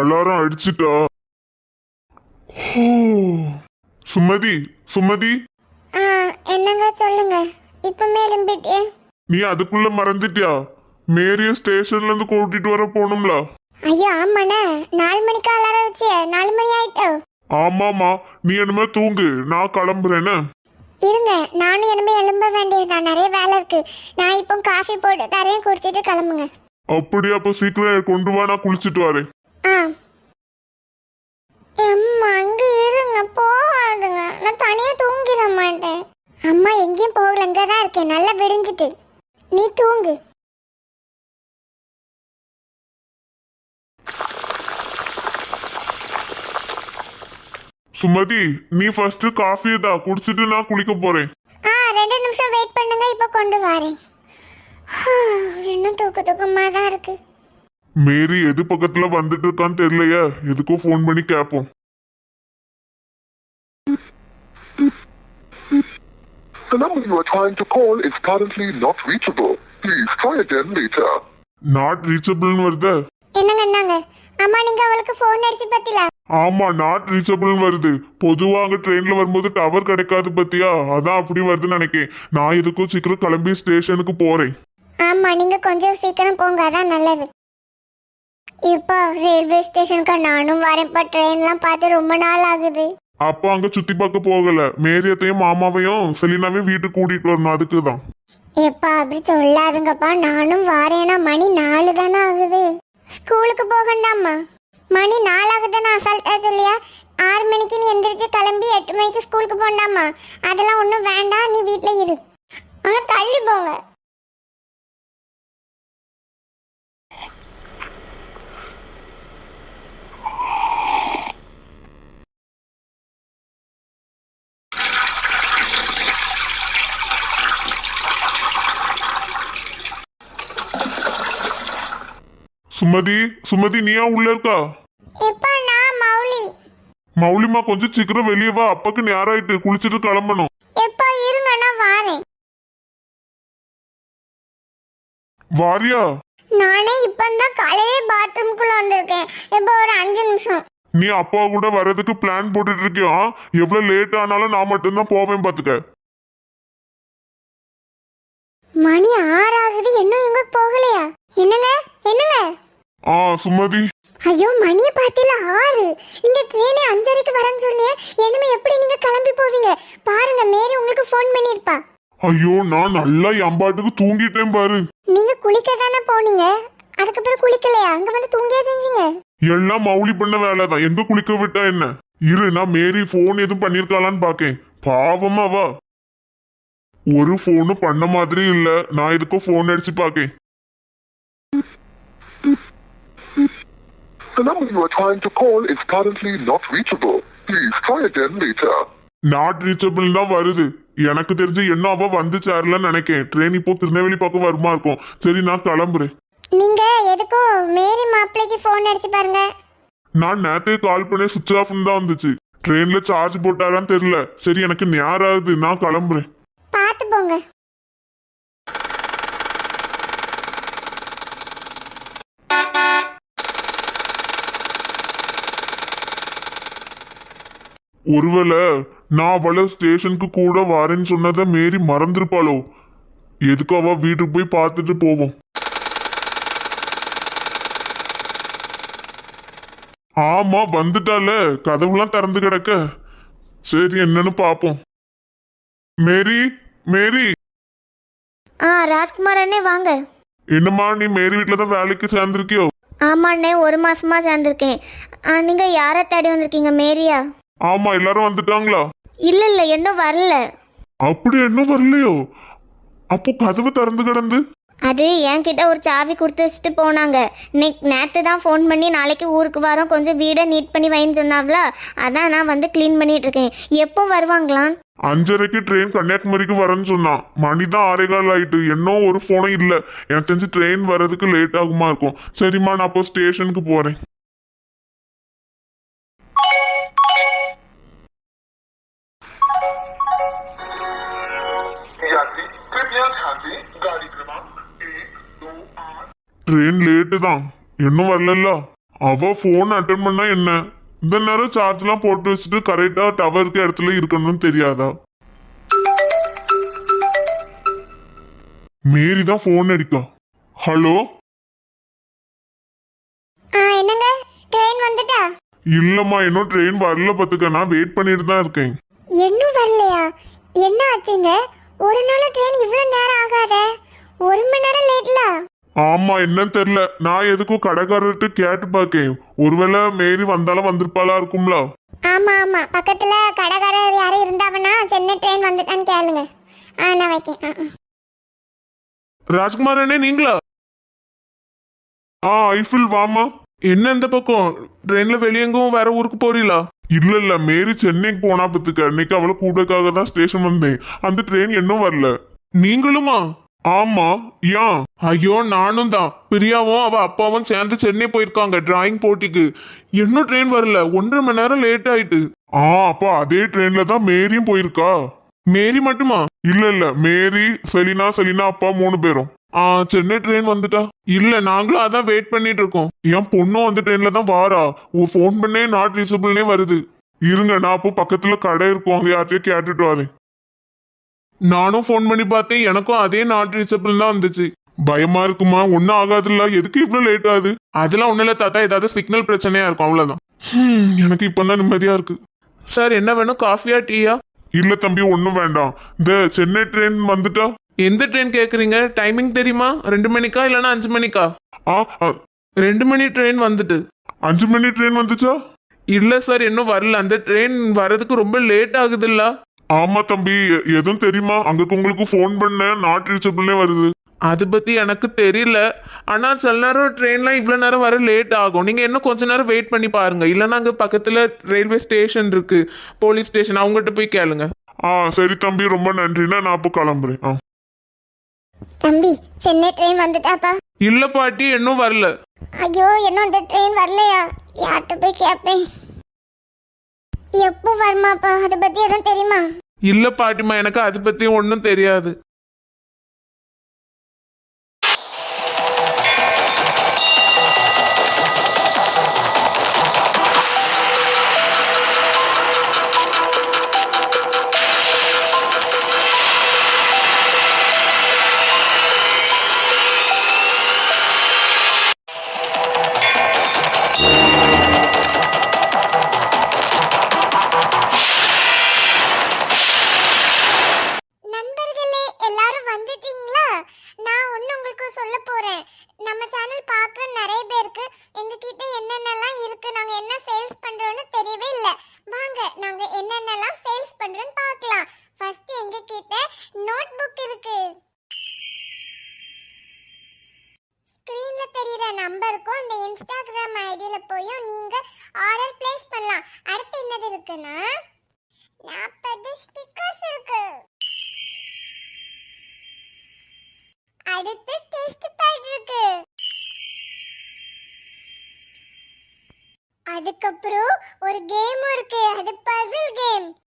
Alarm அடிச்சிட்டா? Sumathi, Sumathi. என்னங்க சொல்லுங்க. இப்பமே எழும்பிட்டே. நீ அதுக்குள்ள மறந்துட்டியா? மேரிய ஸ்டேஷன்ல இருந்து கூட்டிட்டு வர போகணும்ல. ஐயோ ஆமாண்ணே, 4 மணிக்கு அலாரம் வச்சு 4 மணி ஆயிட்டோ. ஆமாமா, நீ என்னமே தூங்கு, நான் கிளம்புறேன்னு. இருங்க, நானும் என்னமே எழும்ப வேண்டியதுதான், நிறைய வேலை இருக்கு. நான் இப்போ காஃபி போட்டு தரையும் குடிச்சிட்டு கிளம்புங்க. அப்படி அப்ப சீக்கிரம் கொண்டு வா, நான் குளிச்சுட்டு வரேன். அம்மா அங்க இருங்க, போகாதுங்க, நான் தனியா தூங்கிட மாட்டேன். அம்மா எங்கேயும் போகல, அங்கதான் இருக்கேன், நல்லா விடிஞ்சிட்டு. நீ தூங்கு. சுமதி, நீ ஃபர்ஸ்ட் காஃபி தான் குடிச்சிட்டு நான் குளிக்க போறேன். 2 நிமிஷம் வெயிட் பண்ணுங்க, இப்ப கொண்டு வரேன். இன்னும் தூக்கமா தான் இருக்கு. மேரி எது பக்கத்துல வந்துட்டு இருக்கான்னு தெரியலையா, எதுக்கும் ஃபோன் பண்ணி கேட்போம். The number you are trying to call is currently not reachable. Please try again later. Not ரீச்சபிள்னு வருது. என்னங்க? அம்மா நீங்க அவளுக்கு ஃபோன் அடிச்சு பத்தில? ஆமா, நாட் ரீச்சபிள்னு வருது. பொதுவா அங்க ட்ரெயின்ல வரும்போது டவர் கிடைக்காது பத்தியா, அதான் அப்படி வருதுன்னு நினைக்கிறேன். நான் இதுக்கும் சீக்கிரம் கிளம்பி ஸ்டேஷனுக்கு போறேன். ஆமா, நீங்க கொஞ்சம் சீக்கிரம் போங்க, அதான் நல்லது. இப்போ ரயில்வே ஸ்டேஷனுக்கு நானும் வரேன்ப்பா. ட்ரெயின்லாம் பார்த்து ரொம்ப நாள் ஆகுது. அப்பா அங்க சுத்தி பார்க்க போகல, மேரியத்தையும் மாமாவையும் செலினாவையும் வீட்டுக்கு கூட்டிட்டு வரணும், அதுக்குதான். எப்பா அப்படி சொல்லாதுங்கப்பா, நானும் வரேனா. மணி 4 தானே ஆகுது. ஸ்கூலுக்கு போகண்டாமா? மணி 4 ஆகுதுன்னு அசால்ட்டா சொல்லியா? 6 மணிக்கு நீ எந்திரிச்சு கிளம்பி 8 மணிக்கு ஸ்கூலுக்கு போண்டாமா? அதெல்லாம் ஒன்றும் வேண்டாம், நீ வீட்டில் இரு. ஆனால் தள்ளி போங்க. சுமதி, சுமதி, நீயா உள்ள இருக்கா? எப்பா நான் மௌலி. மௌலிமா கொஞ்சம் சீக்கிரம் வெளியே வா, அப்பாக்கு நேரம் ஆயிட்டு, குளிச்சுட்டு கிளம்பணும். எப்பா இருங்க, நான் வாரேன். வாரியா? நானே இப்பந்தான் காலையிலே பாத்ரூம்குள்ள வந்திருக்கேன். எப்போ ஒரு 5 நிமிஷம். நீ அப்பா கூட வர்றதுக்கு பிளான் போட்டுட்டு இருக்கியா? எவ்வளவு லேட் ஆனாலும் நான் மட்டும்தான் போவேன் பாத்துக்க. மணி 6 ஆகுது, இன்னும் இவங்க போகலையா? என்னங்க? சுமதி. ஐயோ, மணியை பார்த்தில 6. நீங்க ட்ரெயினே 5:30க்கு வரேன்னு சொல்லியே, என்னமே எப்படி நீங்க கிளம்பி போவீங்க? பாருங்க, மேரி உங்களுக்கு ஃபோன் பண்ணிருப்பா. ஐயோ, நான் நல்லா எம்பாட்டுக்கு தூங்கிட்டேன் பாரு. நீங்க குளிக்க தானே போனீங்க, அதுக்கப்புறம் குளிக்கலையா? அங்க வந்து தூங்கியா செஞ்சீங்க? எல்லாம் மௌலி பண்ண வேலைதான், எங்க குளிக்க விட்டா என்ன? இரு, நான் மேரி போன் எதுவும் பண்ணிருக்காளான்னு பாக்கேன். பாவமா வா, ஒரு போனும் பண்ண மாதிரி இல்ல. நான் இதுக்கும் போன் அடிச்சு பாக்கேன். The number you are trying to call is currently not reachable. Please try again later. Not reachable தான் வருது. எனக்கு தெரிஞ்சு என்ன அவ வந்து சேரலன்னு நினைக்கேன். ட்ரெயின் இப்போ திருநெல்வேலி பக்கம் வருமா இருக்கும். சரி, நான் கிளம்புறேன். நீங்க எதுக்கும் மேரி மாப்பிளைக்கு ஃபோன் அடிச்சு பாருங்க. நான் நேத்தே கால் பண்ணி சுவிட்ச் ஆஃப்னு தான் வந்துச்சு. ட்ரெயின்ல சார்ஜ் போட்டாரான்னு தெரியல. சரி, எனக்கு நேரம் ஆகுது, நான் கிளம்புறேன். பார்த்து போங்க. ஒருவேளை நான் அவளை ஸ்டேஷனுக்கு கூட வரேன்னு சொன்னதை மேரி மறந்துருப்பாளோ? எதுக்கு அவ வீட்டுக்கு போய் பார்த்துட்டு போவோம். ஆமா, வந்துட்டால, கதவுலாம் திறந்து கிடக்க. சரி, என்னன்னு பாப்போம். மேரி, மேரி. ராஜ்குமார் அண்ணே வாங்க. என்னம்மா, நீ மேரி வீட்டுல தான் வேலைக்கு சேர்ந்திருக்கியோ? ஆமா அண்ணே, 1 மாசமா சேர்ந்திருக்கேன். நீங்க யாரை தேடி வந்திருக்கீங்க? மேரியா? ஆமா, எல்லாரும் வந்துட்டாங்களா? இல்ல இன்னும் வரல. அப்படி இன்னும் வரலையோ? அப்போ கதவு திறந்து கிடந்து. அது என்கிட்ட ஒரு சாவி கொடுத்து வச்சுட்டு போனாங்க. நேற்று தான் ஃபோன் பண்ணி நாளைக்கு ஊருக்கு வரோம், கொஞ்சம் வீடை நீட் பண்ணி வைன்னு சொன்னாங்களா, அதான் நான் வந்து க்ளீன் பண்ணிட்டு இருக்கேன். எப்போ வருவாங்களாம்? 5:30க்கு ட்ரெயின் கன்னியாகுமரிக்கு வரேன்னு சொன்னான். மணி தான் 6:15 ஆயிட்டு, இன்னும் ஒரு ஃபோனும் இல்லை. எனக்கு தெரிஞ்சு ட்ரெயின் வர்றதுக்கு லேட் ஆகுமா இருக்கும். சரிம்மா, நான் அப்போ ஸ்டேஷனுக்கு போறேன். ட்ரெயின் லேட்டு தான், இன்னும் வரல. அவ போன் அட்டன் பண்ணா என்ன? இந்த நேரம் சார்ஜ்லாம் போட்டு வச்சுட்டு கரெக்டா டவர் இருக்க இடத்துல இருக்கணும்னு தெரியாதா? மேரி தான் போன் அடிக்கா. ஹலோ, என்னங்க ட்ரெயின் வந்துட்டா? இல்லம்மா இன்னும் ட்ரெயின் வரல பாத்துக்க. நான் வெயிட் பண்ணிட்டு தான் இருக்கேன். இன்னும் வரலையா? என்ன ஆச்சுங்க? ஒரு நாள் ட்ரெயின் இவ்வளவு நேரம் ஆகாதே, 1 மணி நேரம் லேட்ல. ஆமா, என்னன்னு தெரியல. நான் எதுக்கும் கடைக்காரர்கிட்ட கேட்டு பாக்கேன். ஒருவேளை மேரி வந்தாலும் வந்திருப்பாளா இருக்கும்ல. ஆமா ஆமா, பக்கத்துல கடைக்காரர் யாரும் இருந்தாவனா சென்னை ட்ரெயின் வந்துட்டான்னு கேளுங்க. நான் வைக்கேன். ராஜ்குமார் அண்ணே நீங்களா? ஐஃபில் வாமா. என்ன இந்த பக்கம் ட்ரெயின்ல வெளியெங்கும் வேற ஊருக்கு போறீங்களா? இல்ல மேரி சென்னைக்கு போனா பத்துக்க. இன்னைக்கு அவளை கூடக்காக தான் ஸ்டேஷன் வந்தேன். அந்த ட்ரெயின் இன்னும் வரல. நீங்களுமா? ஆமா, ஏன்? ஐயோ நானும் தான். பிரியாவும் அவ அப்பாவும் சேர்ந்து சென்னை போயிருக்காங்க டிராயிங் போட்டிக்கு. இன்னும் ட்ரெயின் வரல. 1.5 மணி நேரம் லேட் ஆயிட்டு. அப்ப அதே ட்ரெயின்ல தான் மேரியும் போயிருக்கா. மேரி மட்டுமா? இல்ல மேரி, செலினா அப்பா 3 பேரும். சென்னை ட்ரெயின் வந்துட்டா? இல்ல நாங்களும் அதான் வெயிட் பண்ணிட்டு இருக்கோம். என் பொண்ணும் அந்த ட்ரெயின்ல தான் வாரா. ஃபோன் பண்ணே நாட் ரீசபிள்னே வருது. இருங்க, நான் அப்போ பக்கத்துல கடை இருக்கும், அங்க யார்ட்டையும் கேட்டுட்டு வரேன். நானும் ஃபோன் பண்ணி பார்த்தேன், எனக்கும் அதே நாட் ரீச்சபிள் தான் வந்துச்சு. பயமா இருக்குமா? ஒன்னும் ஆகாதுல்ல. எதுக்கு இவ்வளவு லேட் ஆகுது? அதெல்லாம் ஒண்ணும் இல்ல தாத்தா, ஏதாவது சிக்னல் பிரச்சனையா இருக்கும் அவ்வளவுதான். எனக்கு இப்பதான் நிம்மதியா இருக்கு. சார் என்ன வேணும், காஃபியா டீயா? இல்ல தம்பி, ஒன்னும் வேண்டாம். இந்த சென்னை ட்ரெயின் வந்துட்டா? எந்த ட்ரெயின் கேக்குறீங்க? டைமிங் தெரியுமா? 2 மணிக்கா இல்லைன்னா 5 மணிக்கா? 2 மணி ட்ரெயின் வந்துட்டு. 5 மணி ட்ரெயின் வந்துச்சா? இல்ல சார் இன்னும் வரல. அந்த ட்ரெயின் வர்றதுக்கு ரொம்ப லேட் ஆகுதுல்ல. ஆமா தம்பி, எதுவும் தெரியுமா? அங்க உங்களுக்கு ஃபோன் பண்ண நாட் ரீச்சபிள்னே வருது. அது பத்தி எனக்கு தெரியல. ஆனா சில நேரம் ட்ரெயின்லாம் இவ்வளவு நேரம் வர லேட் ஆகும். நீங்க இன்னும் கொஞ்ச நேரம் வெயிட் பண்ணி பாருங்க. இல்லைன்னா அங்க பக்கத்துல ரயில்வே ஸ்டேஷன் இருக்கு, போலீஸ் ஸ்டேஷன், அவங்ககிட்ட போய் கேளுங்க. சரி தம்பி, ரொம்ப நன்றிண்ணா. நான் அப்போ கிளம்புறேன். தம்பி சென்னை ட்ரெயின் வந்துட்டாப்பா? இல்ல பாட்டி இன்னும் வரல. ஐயோ, இன்னும் அந்த ட்ரெயின் வரலையா? யார்கிட்ட போய் கேட்பேன். எப்போ வருமாப்பா? அதை பத்தி எதுவும் தெரியுமா? இல்ல பாட்டிமா, எனக்கு அது பத்தி ஒன்றும் தெரியாது. நண்பர்களே, எல்லாரும் வந்துட்டீங்களா? நான் ஒன்று உங்களுக்கு சொல்ல போறேன். நம்ம சேனல் பார்க்குற நிறைய பேருக்கு எங்ககிட்ட என்னென்னலாம் இருக்கு, நாங்க என்ன சேல்ஸ் பண்றோம்னு தெரியவே இல்லை. வாங்க, நாங்க என்னென்னலாம் சேல்ஸ் பண்றோம்னு பார்க்கலாம். ஃபர்ஸ்ட் எங்க கிட்ட நோட் புக் இருக்கு. ஸ்கிரீன்ல தெரியுற நம்பருக்கும் அந்த இன்ஸ்டாகிராம் ஐடியில போயும் நீங்க ஆர்டர் பிளேஸ் பண்ணலாம். அடுத்து என்னது இருக்குன்னா 40 ஸ்டிக்கர்ஸ் இருக்கு. அடுத்து டெஸ்ட் பேட் இருக்கு. அதுக்கப்புறம் ஒரு கேம் இருக்கு, அது பசில் கேம்.